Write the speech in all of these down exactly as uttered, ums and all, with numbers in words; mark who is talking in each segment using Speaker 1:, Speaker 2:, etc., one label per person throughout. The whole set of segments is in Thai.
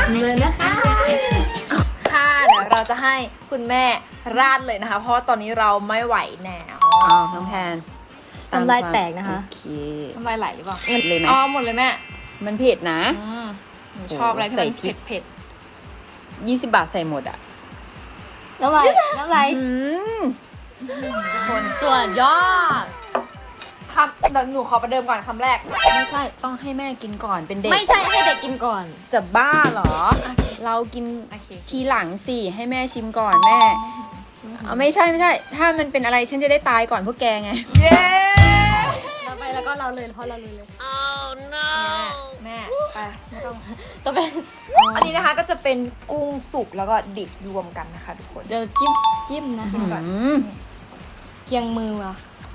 Speaker 1: เลยนะคะ
Speaker 2: ค่ะเดี๋ยวเราจะให้คุณแม่ราดเลยนะคะ เพราะว่าตอนนี้เราไม่ไหวแล้ว
Speaker 3: อ้าวน้องแพน
Speaker 1: ทำลายแตกนะคะ
Speaker 3: โอเค
Speaker 2: ทำไมไหลหรือเปล่า
Speaker 3: เลยไหม
Speaker 2: อ๋อหมดเลยแม่
Speaker 3: มันเผ็ดนะ
Speaker 2: อืมหนูชอบอะไรที่
Speaker 3: ใส่
Speaker 2: มัน
Speaker 3: พริ
Speaker 2: เผ็
Speaker 3: ก
Speaker 2: ดเผ็ด
Speaker 3: ยี่สิบบาทใส่หมดอ่ะ
Speaker 1: น้ำลายน้ำลาย
Speaker 3: อืม
Speaker 2: ๆคน
Speaker 1: ส่วนยอด
Speaker 2: คำเดี๋ยวหนูขอประเดิมก่อนคำแรก
Speaker 3: ไม่ใช่ต้องให้แม่กินก่อนเป็นเด็ก
Speaker 1: ไม่ใช่ให้เด็กกินก่อน
Speaker 3: จะบ้าเหรอ เรากิน
Speaker 2: โอเค
Speaker 3: ทีหลังสิให้แม่ชิมก่อนแม่เอาไม่ใช่ไม่ใช่ ถ้ามันเป็นอะไรฉันจะได้ตายก่อนพวกแกไง
Speaker 2: เย้
Speaker 1: ต่อไปแล้วก็เราเลยเพราะเราเลยเลย
Speaker 2: แม่ไปไม่ต้อง
Speaker 1: ต่อไป
Speaker 2: อันนี้นะคะก็จะเป็นกุ้งสุกแล้วก็ดิบรวมกันนะคะทุกคน
Speaker 1: เดี๋ยวจิ้มจิ้มนะคะ
Speaker 3: อืม
Speaker 1: เคียงมือว่ะ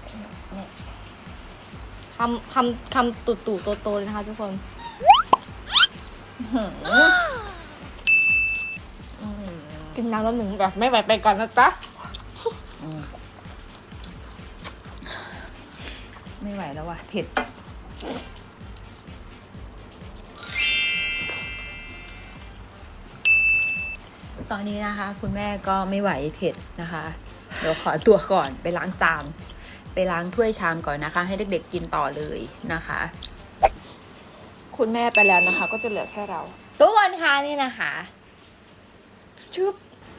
Speaker 1: คำคำคำตุ่ตุ่โตโตๆเลยนะคะทุกคน กินน้ำแล้วหนึ่งแบบไม่ไหวไปก่อนนะจ๊ะ
Speaker 3: ไม่ไหวแล้วว่ะเผ็ดตอนนี้นะคะ คุณแม่ก็ไม่ไหวเผ็ดนะคะ เดี๋ยวขอตัวก่อนไปล้างจานไปล้างถ้วยชามก่อนนะคะ ให้เด็กๆกินต่อเลยนะคะ
Speaker 2: คุณแม่ไปแล้วนะคะ ก็จะเหลือแค่เรา
Speaker 1: ทุกคนคะนี่นะคะ
Speaker 2: ชึบ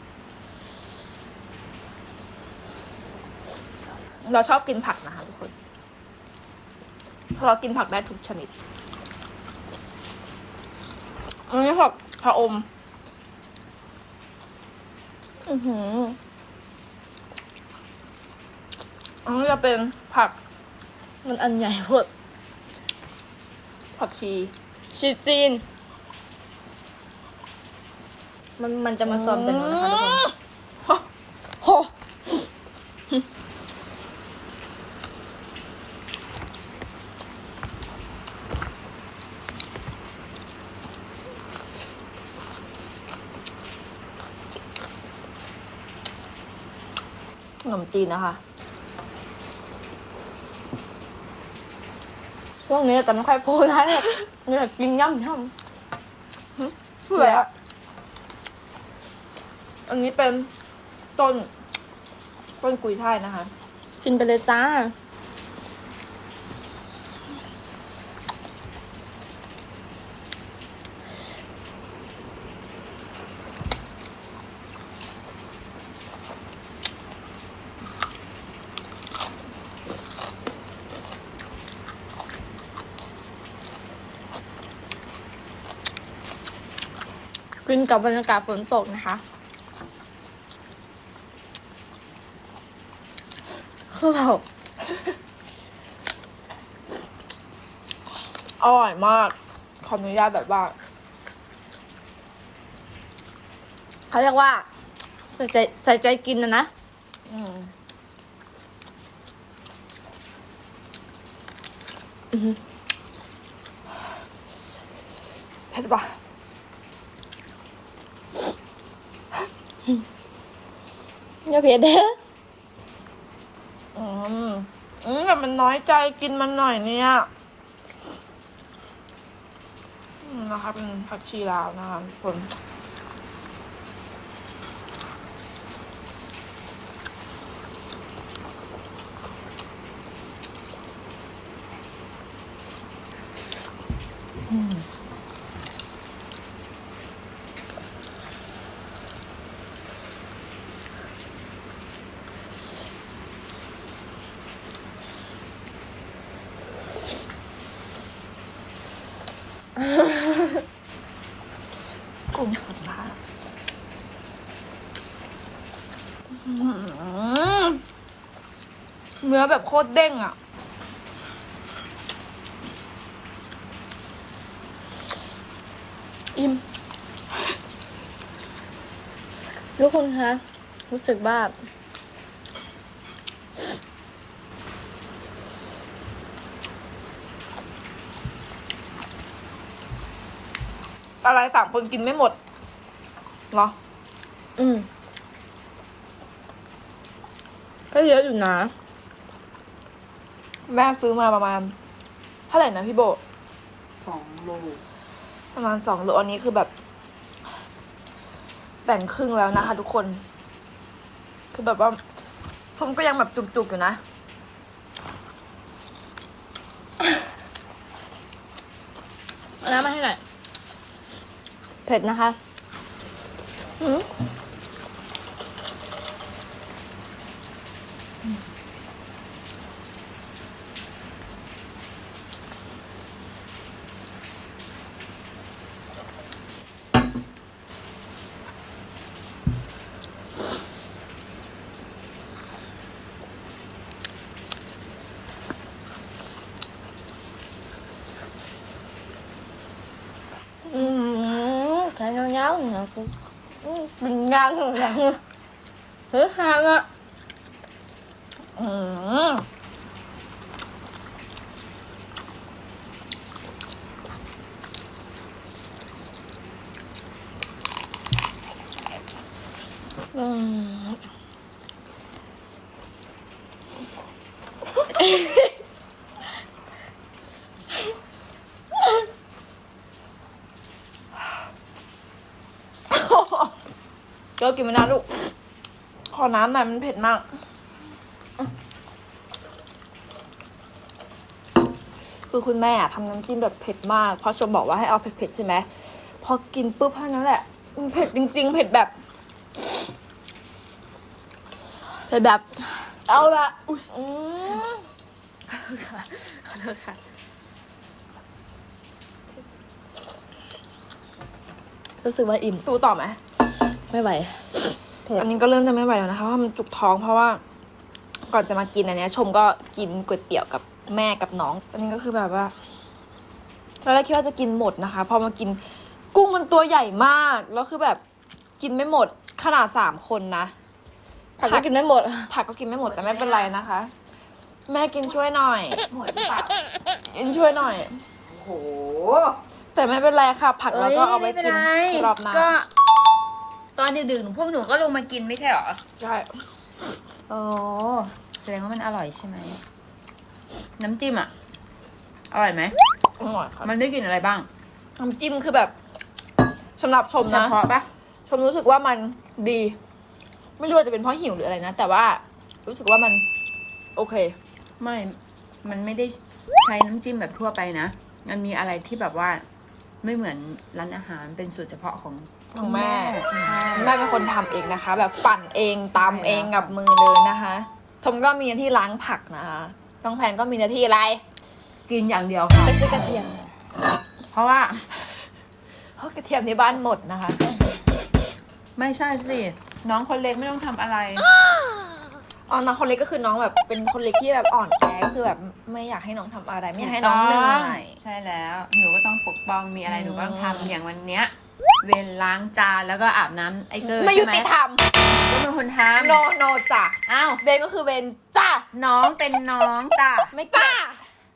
Speaker 2: เราชอบกินผักนะคะทุกคนเพราะเรากินผักได้ทุกชนิดอันนี้ผักผะอมอือหืออันนี้จะเป็นผัก
Speaker 1: มันอันใหญ่พวด
Speaker 2: ผักชี
Speaker 1: ชีสจีน มันมันจะมาซ้อมกันหนูนะคะทุกคน
Speaker 2: โหขนมจีนนะคะ
Speaker 1: ช่วงนี้แต่ไม่ค่อยพูดได้อยากกินย่ำย่
Speaker 2: เผื่ออะอันนี้เป็นต้น ต้นกุยช่ายนะคะ
Speaker 1: ำกินไปเลยจ้า กินกับบรรยากาศฝนตกนะคะ คือแบบ
Speaker 2: อร่อยมาก ขออนุญาตแบบว่า
Speaker 1: เขาเรียกว่า ใส่ใจใส่ใจกินนะนะ
Speaker 2: อืม
Speaker 1: อือหือ
Speaker 2: เผ็ดปะ
Speaker 1: อย่าเผ็ดเด้อ
Speaker 2: อืมอืมแต่มันน้อยใจกินมันหน่อยเนี่ยอืมนะคะเป็นผักชีลาวนะคะทุกคนกุ้งสดมากอื้อหือเนื้อแบบโคตรเด้งอ่ะ
Speaker 1: อิ่มทุกคนคะ รู้สึกว่า
Speaker 2: อะไรสามคนกินไม่หมดเหรอ
Speaker 1: อืมก็เยอะอยู่นะ
Speaker 2: แม่ซื้อมาประมาณเท่าไหร่นะพี่โบ
Speaker 3: สองโล
Speaker 2: ประมาณสองโลอันนี้คือแบบแบ่งครึ่งแล้วนะคะทุกคน คือแบบว่าชมก็ยังแบบจุกๆอยู่นะเอาน้ำมาให้หน่อย
Speaker 1: เผ็ดนะคะ
Speaker 2: อืม
Speaker 1: อืมแค่เงาๆเนี่ยคืออืมเป็นยางอย่างเฮ้ยหางอ่ะอืมอืมก็กินไม่นานลูก
Speaker 2: ขอน้ำหน่อยมันเผ็ดมาก คือคุณแม่อะทำน้ำจิ้มแบบเผ็ดมาก เพราะชมบอกว่าให้เอาเผ็ดๆใช่ไหม พอกินปุ๊บเท่านั้นแหละมันเผ็ดจริงๆ เผ็ดแบบ
Speaker 1: เผ็ดแบบ
Speaker 2: เอาละอุ๊ย
Speaker 1: อืม
Speaker 2: ขอโทษค่ะขอโทษค่ะ
Speaker 1: รู้สึกว่าอิ่ม
Speaker 2: สู้ต่อไหม
Speaker 1: ไม่ไหวเผ็ด
Speaker 2: อันนี้ก็เริ่มจะไม่ไหวแล้วนะคะเพราะว่ามันจุกท้องเพราะว่า ก่อนจะมากินอันเนี้ย ชมก็กินก๋วยเตี๋ยวกับแม่กับน้อง อันนี้ก็คือแบบว่าตอนแรกคิดว่าจะกินหมดนะคะ พอมากินกุ้งมันตัวใหญ่มาก แล้วคือแบบกินไม่หมดขนาดสามคนนะ
Speaker 1: ผักก็กินไม่หมด
Speaker 2: ผักก็กินไม่หมดแต่ไม่เป็นไรนะคะ แม่กินช่วยหน่อย
Speaker 3: หมดหรือเปล่า
Speaker 2: กินช่วยหน่อย
Speaker 3: โอ้โห
Speaker 2: แต่ไม่เป็นไรค่ะ ผักเราก็เอาไว้กินรอบหน้า
Speaker 3: ก็ ตอนดึกๆพวกหนูก็ลงมากินไม่ใช่หรอ
Speaker 2: ใช่
Speaker 3: โอ้แสดงว่ามันอร่อยใช่ไหม น้ำจิ้มอ่ะ อร่อยไหม
Speaker 2: อร่อยค่ะ
Speaker 3: มันได้กลิ่นอะไรบ้าง
Speaker 2: น้ำจิ้มคือแบบสำหรับชม
Speaker 3: เฉ
Speaker 2: นะ
Speaker 3: พาะปะ
Speaker 2: ชมรู้สึกว่ามันดี ไม่รู้ว่าจะเป็นเพราะหิวหรืออะไรนะ แต่ว่ารู้สึกว่ามัน โอเค
Speaker 3: ไม่ มันไม่ได้ใช้น้ำจิ้มแบบทั่วไปนะ มันมีอะไรที่แบบว่า ไม่เหมือนร้านอาหารเป็นสูตรเฉพาะของ
Speaker 2: ของแม่
Speaker 3: ใช่
Speaker 2: แม่เป็นคนทำเองนะคะ แบบปั่นเองตำเองกับมือเลยนะคะชมก็มีหน้าที่ล้างผักนะคะน้องแพนก็มีหน้าที่อะไร
Speaker 3: กินอย่างเดียวค่ะ
Speaker 2: ไปซื้อกระเทียม
Speaker 3: เพราะว่า
Speaker 2: เพราะกระเทียมที่บ้านหมดนะคะ
Speaker 3: ไม่ใช่สิ น้องคนเล็กไม่ต้องทำอะไร
Speaker 2: อ๋อน้องคนเล็กก็คือน้องแบบเป็นคนเล็กที่แบบอ่อนแอก็คือแบบไม่อยากให้น้องทำอะไร ไม่อยากให้น้องเหนื่อย
Speaker 3: ใช่แล้ว หนูก็ต้องปกป้อง มีอะไรหนูก็ต้องทำอย่างวันเนี้ย เวรล้างจานแล้วก็อาบน้ำไอ้เกอร์
Speaker 2: ไม่ยุติธรรม
Speaker 3: ก็เป็นคนท
Speaker 2: โนโนจ้ะ
Speaker 3: ำอ้าว
Speaker 2: เบนก็คือเบนจ้ะ
Speaker 3: น้องเป็นน้องจ้ะ
Speaker 2: ไม่กล้า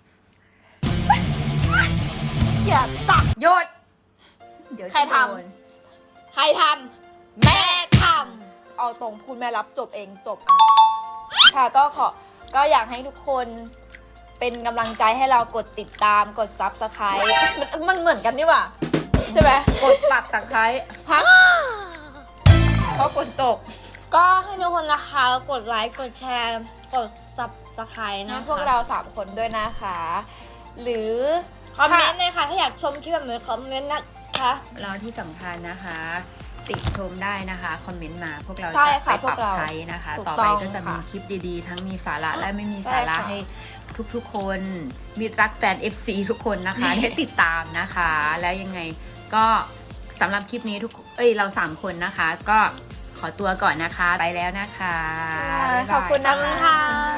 Speaker 2: อย่าจ้ะ
Speaker 3: หยศเดี๋ยว
Speaker 2: ใครทำ
Speaker 3: โดน
Speaker 2: ใครทำแม่ทำเอาตรงพูดแม่รับจบเองจบอ่ะค่ะก็ขอก็อยากให้ทุกคนเป็นกำลังใจให้เรากดติดตามกด ซับสไครบ์ มันมันเหมือนกันนี่หว่าใช่ไหมกดปักตะไคร้พักเพราะฝนตก
Speaker 1: ก็ให้ทุกคนนะคะกดไลค์กดแชร์ กด ซับสไครต์
Speaker 2: ให้
Speaker 1: นะคะ
Speaker 2: พวกเราสามคนด้วยนะคะ หรือ
Speaker 1: คอมเมนต์เลยค่ะ ถ้าอยากชมคลิปแบบนี้คอมเมนต์นะคะ
Speaker 3: เราที่สำคัญนะคะ ติชมได้นะคะ คอมเมนต์มาพวกเรา
Speaker 2: ใช่
Speaker 3: จะไป
Speaker 2: ค่ะ
Speaker 3: ปรับ
Speaker 2: พวกเรา
Speaker 3: ใช้นะคะ
Speaker 2: ถูก
Speaker 3: ต่อไป
Speaker 2: ต้อง
Speaker 3: ก็จะมี
Speaker 2: ค่ะ
Speaker 3: คลิปดีๆ ทั้งมีสาระและไม่มีสาระ
Speaker 2: ใช่ค่ะ
Speaker 3: ให้ทุกๆคนมิตรรักแฟน เอฟ ซี ทุกคนนะคะ ได้ติดตามนะคะ แล้วยังไงก็สำหรับคลิปนี้ทุกเอ้ยเราสามคนนะคะ ก็ขอตัวก่อนนะคะ ไปแล้วนะคะบ๊ายบาย
Speaker 2: ขอบคุณนะ
Speaker 1: ขอบคุณค่ะ